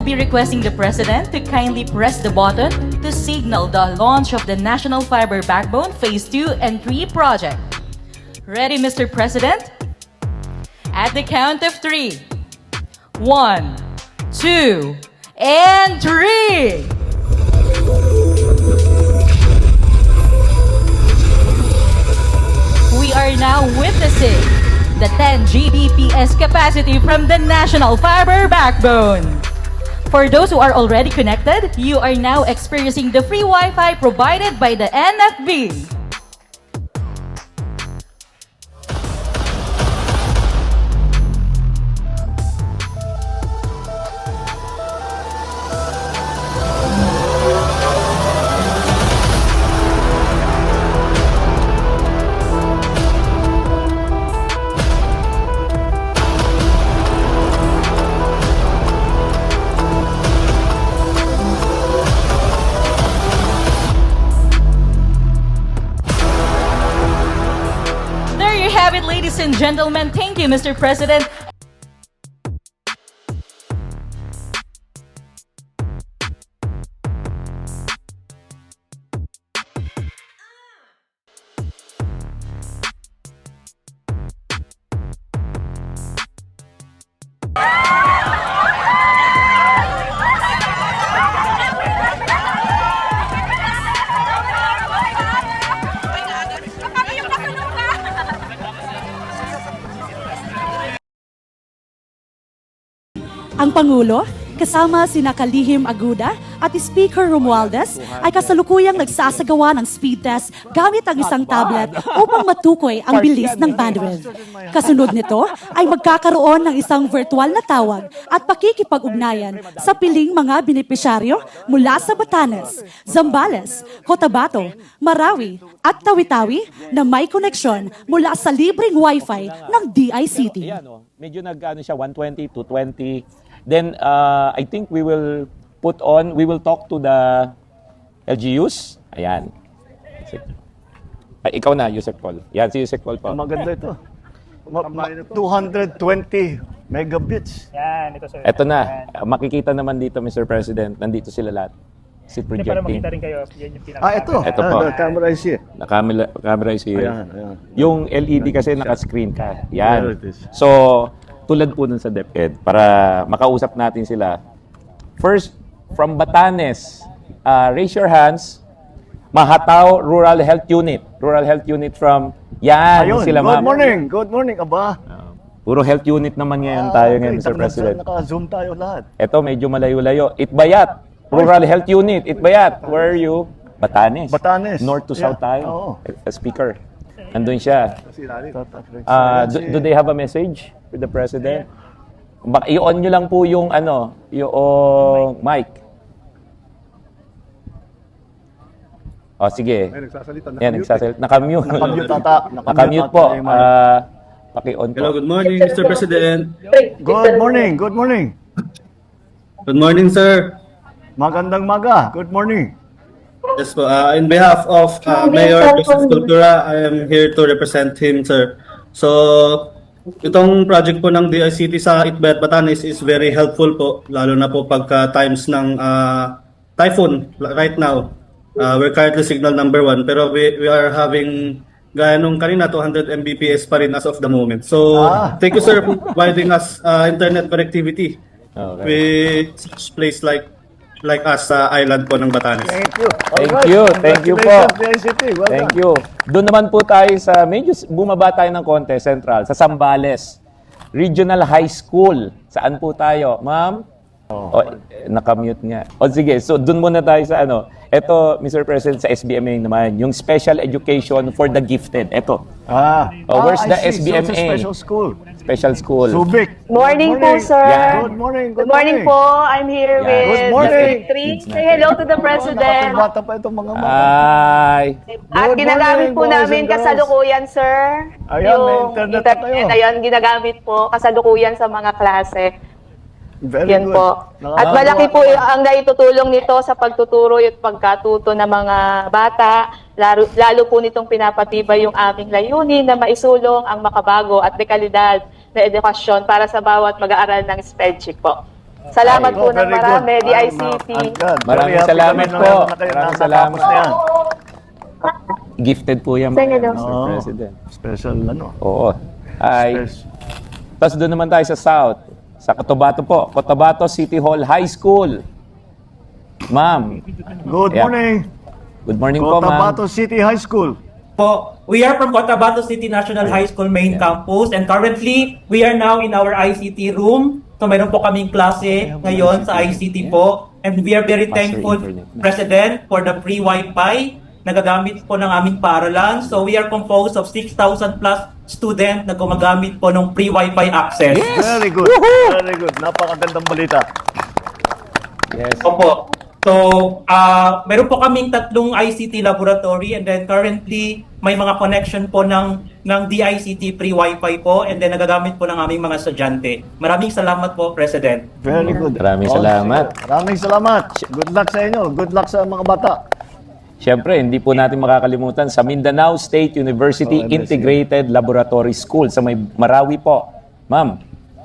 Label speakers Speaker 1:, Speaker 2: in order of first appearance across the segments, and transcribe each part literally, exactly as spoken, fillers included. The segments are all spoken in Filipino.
Speaker 1: be requesting the President to kindly press the button to signal the launch of the National Fiber Backbone Phase two and three project. Ready, Mister President? At the count of three. One, two, and three! We are now witnessing the ten G B P S capacity from the National Fiber Backbone. For those who are already connected, you are now experiencing the free Wi-Fi provided by the N F B. Have it, ladies and gentlemen. Thank you, Mister President.
Speaker 2: Ang Pangulo, kasama sina Kalihim Aguda at Speaker Romualdez ay kasalukuyang nagsasagawa ng speed test gamit ang isang tablet upang matukoy ang bilis ng bandwidth. Kasunod nito ay magkakaroon ng isang virtual na tawag at pakikipag-ugnayan sa piling mga benepisyaryo mula sa Batanes, Zambales, Cotabato, Marawi at Tawi-Tawi na may koneksyon mula sa libreng Wi-Fi ng D I C T.
Speaker 3: Ayan, oh. Medyo nag-ano siya, one twenty, two twenty. Then, uh, I think we will put on, we will talk to the L G Us. Ayan. Ay, ikaw na, Yusek Paul. Yan, si Yusek Paul po.
Speaker 4: Maganda ito. Ma- ma- two hundred twenty megabits.
Speaker 5: Yan, ito sir.
Speaker 3: Ito na.
Speaker 5: Yan.
Speaker 3: Makikita naman dito, Mister President. Nandito sila lahat. Si
Speaker 5: Hindi para
Speaker 3: projecting.
Speaker 5: makita rin kayo, yan yung pinaka-
Speaker 4: Ah, ito.
Speaker 3: Ito
Speaker 4: Ah,
Speaker 3: po.
Speaker 4: the camera is here.
Speaker 3: Na camera, camera is here.
Speaker 4: Ayan, ayan.
Speaker 3: Yung L E D kasi naka-screen ka.
Speaker 4: There
Speaker 3: Yan.
Speaker 4: it is.
Speaker 3: So, tulad po nun sa DepEd, para makausap natin sila. First, from Batanes, uh, raise your hands. Mahataw Rural Health Unit. Rural Health Unit from, yan,
Speaker 4: Ayun,
Speaker 3: sila
Speaker 4: good
Speaker 3: ma'am.
Speaker 4: morning. Good morning, aba.
Speaker 3: Uh, puro health unit naman ngayon
Speaker 4: Ah,
Speaker 3: tayo
Speaker 4: okay.
Speaker 3: ngayon, Mister
Speaker 4: Naka-
Speaker 3: President.
Speaker 4: Naka-zoom tayo lahat.
Speaker 3: Ito, medyo malayo-layo. Itbayat, Rural Health Unit. Itbayat, where are you? Batanes.
Speaker 4: Batanes.
Speaker 3: North to
Speaker 4: Yeah.
Speaker 3: south tayo.
Speaker 4: Oo.
Speaker 3: A speaker. Nandun siya.
Speaker 4: Uh,
Speaker 3: Uh, do, do they have a message with the President? Bak i-on nyo lang po yung ano, yung mic. O, sige.
Speaker 4: Ay, nagsasalita.
Speaker 3: Yan, nagsasalita. Nakamute.
Speaker 4: Nakamute ata.
Speaker 3: Nakamute po.
Speaker 4: ata yung mic.
Speaker 3: Uh, paki-on po.
Speaker 6: Hello, good morning, Mister President.
Speaker 4: Good morning. Good morning.
Speaker 6: Good morning, sir.
Speaker 4: Magandang maga. Good morning.
Speaker 6: Yes po, uh, in behalf of uh, Mayor Joseph Cultura, I am here to represent him, sir. So, itong project po ng D I C T sa Itbayat, Batanes is very helpful po, lalo na po pagka times ng uh, typhoon right now. Uh, we're currently signal number one, pero we, we are having gaya nung kanina, two hundred megabits per second pa rin as of the moment. So,
Speaker 4: Ah.
Speaker 6: thank you, sir, for providing us uh, internet connectivity
Speaker 3: Okay.
Speaker 6: with such place like like us sa island po ng Batanes.
Speaker 4: Thank you.
Speaker 3: Thank
Speaker 4: Alright.
Speaker 3: you. Thank you po.
Speaker 4: Congratulations, D I C T. Well
Speaker 3: Thank
Speaker 4: done.
Speaker 3: you. Doon naman po tayo sa, medyo bumaba tayo ng konti, Central, sa Zambales. Regional High School. Saan po tayo? Ma'am? Oh. O, eh, nakamute nga. O sige, so doon muna tayo sa ano. Ito, Mister President, sa S B M A naman, yung Special Education for the Gifted. Ito,
Speaker 4: Ah.
Speaker 3: Oh, where's
Speaker 4: Ah,
Speaker 3: the
Speaker 4: I see.
Speaker 3: S B M A?
Speaker 4: So it's a special school.
Speaker 3: special school.
Speaker 4: Subic.
Speaker 7: Morning,
Speaker 4: Good
Speaker 7: po, sir.
Speaker 3: Yeah.
Speaker 4: Good morning.
Speaker 7: Good morning po. I'm here
Speaker 3: Yeah.
Speaker 7: with
Speaker 4: Good morning.
Speaker 7: Three. Say hello to the President.
Speaker 4: Nakatubata pa itong mga mga.
Speaker 3: Ay,
Speaker 7: At
Speaker 4: Good
Speaker 7: ginagamit
Speaker 4: morning,
Speaker 7: po
Speaker 4: boys
Speaker 7: namin
Speaker 4: and girls.
Speaker 7: kasalukuyan, sir.
Speaker 4: Ayan, may internet na kayo.
Speaker 7: Ayan, ginagamit po kasalukuyan sa mga klase.
Speaker 4: Very
Speaker 7: Yan
Speaker 4: good.
Speaker 7: po.
Speaker 4: Nakakatuwa
Speaker 7: At malaki po
Speaker 4: naman.
Speaker 7: ang naitutulong nito sa pagtuturo at pagkatuto ng mga bata. Lalo, lalo po nitong pinapatibay yung aming layunin na maisulong ang makabago at dekalidad na edukasyon para sa bawat mag-aaral ng spellcheck po. Salamat
Speaker 3: Ay,
Speaker 7: po
Speaker 4: Oh,
Speaker 7: ng
Speaker 4: very good.
Speaker 7: marami, D I C T.
Speaker 4: I'm glad.
Speaker 3: Maraming
Speaker 4: Very happy
Speaker 3: salamat
Speaker 4: kami na
Speaker 3: po.
Speaker 4: meron na kayo.
Speaker 3: Maraming
Speaker 4: Nakatapos
Speaker 3: salamat.
Speaker 4: na yan.
Speaker 3: Gifted po yan,
Speaker 7: Sige,
Speaker 3: mga
Speaker 7: no?
Speaker 3: mister
Speaker 4: Oo.
Speaker 3: President.
Speaker 4: Special ano.
Speaker 3: Oo. Ay,
Speaker 4: Special.
Speaker 3: tapos doon naman tayo sa South. Sa Cotabato po. Cotabato City Hall High School. Ma'am.
Speaker 4: Good
Speaker 3: Yeah.
Speaker 4: morning.
Speaker 3: Good morning po, ma'am.
Speaker 4: Cotabato City High School.
Speaker 5: Po, we are from Cotabato City National High School main campus and currently we are now in our I C T room. So mayroon po kaming klase ngayon sa I C T po and we are very
Speaker 3: Faster
Speaker 5: thankful,
Speaker 3: internet na.
Speaker 5: President, for the free Wi-Fi na gagamit po ng aming paaralan. So we are composed of six thousand plus student na gumagamit po ng free Wi-Fi access.
Speaker 4: Very good. Very good. Napakagandang balita.
Speaker 3: Yes.
Speaker 5: Opo. So, ah meron po kaming tatlong I C T laboratory and then currently may mga connection po ng ng D I C T free Wi-Fi po and then nagagamit po ng aming mga estudyante. Maraming salamat po, President.
Speaker 4: Very good.
Speaker 3: Maraming
Speaker 4: Oh,
Speaker 3: salamat.
Speaker 4: Maraming salamat. Good luck sa inyo. Good luck sa mga bata.
Speaker 3: Siyempre, hindi po natin makakalimutan sa Mindanao State University
Speaker 4: Oh, M S U.
Speaker 3: Integrated Laboratory School sa may Marawi po. Ma'am.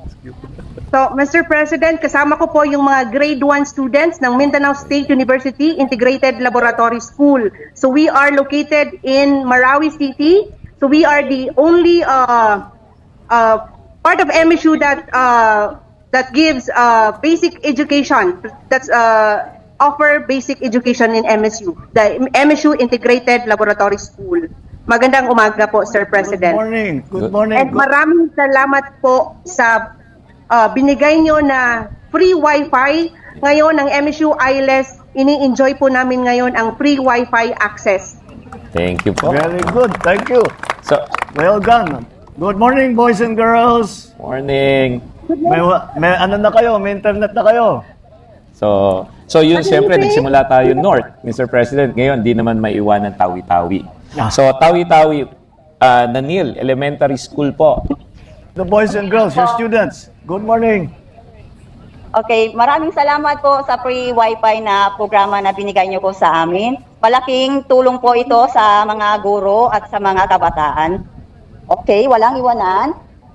Speaker 8: So, Mister President, kasama ko po yung mga grade one students ng Mindanao State University Integrated Laboratory School. So, we are located in Marawi City. So, we are the only uh, uh, part of M S U that uh, that gives uh, basic education. That's uh, offer basic education in M S U. The M S U Integrated Laboratory School. Magandang umaga po, Sir
Speaker 4: Good
Speaker 8: President.
Speaker 4: morning. Good morning.
Speaker 8: And maraming salamat po sa uh, binigay nyo na free Wi-Fi. Ngayon, ang M S U I L E S, ini-enjoy po namin ngayon ang free Wi-Fi access.
Speaker 3: Thank you po.
Speaker 4: Very good. Thank you.
Speaker 3: So,
Speaker 4: Well done. Good morning, boys and girls.
Speaker 3: morning.
Speaker 4: May, wa- may ano na kayo? May internet na kayo?
Speaker 3: So, so yun, siyempre, nagsimula tayo North, Mister President. Ngayon, di naman maiwanan Tawi-Tawi. So, Tawi-Tawi, uh, Nanil Elementary School po.
Speaker 4: The boys and girls, your students. Good morning.
Speaker 9: Okay, maraming salamat po sa free Wi-Fi na programa na binigay niyo po sa amin. Malaking tulong po ito sa mga guro at sa mga kabataan. Okay, walang iwanan.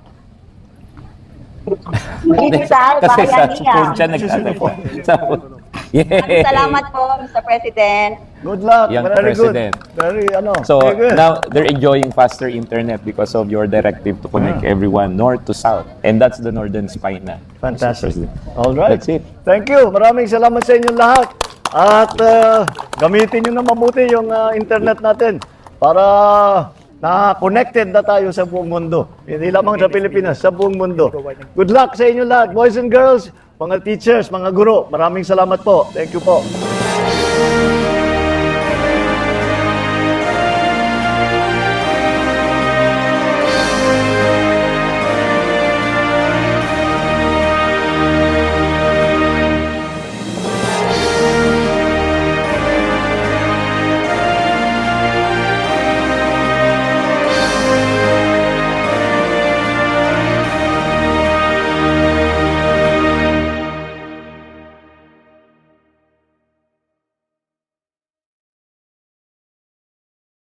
Speaker 9: Digital,
Speaker 3: Kasi sa
Speaker 9: bayanihan.
Speaker 3: phone siya nagtatagpo. Sa phone.
Speaker 9: Maraming
Speaker 3: Yeah.
Speaker 9: salamat po, Mister President.
Speaker 4: Good luck.
Speaker 3: Young
Speaker 4: Very
Speaker 3: president.
Speaker 4: good. Very, ano,
Speaker 3: So,
Speaker 4: very good.
Speaker 3: now, they're enjoying faster internet because of your directive to connect everyone north to south. And that's the Northern Spine na.
Speaker 4: Fantastic.
Speaker 3: Mister President.
Speaker 4: All right.
Speaker 3: That's it.
Speaker 4: Thank you. Maraming salamat sa inyong lahat. At uh, gamitin nyo na mabuti yung uh, internet natin para na connected na tayo sa buong mundo. Hindi lamang sa Pilipinas, sa buong mundo. Good luck sa inyo lahat, boys and girls, mga teachers, mga guro. Maraming salamat po. Thank you po.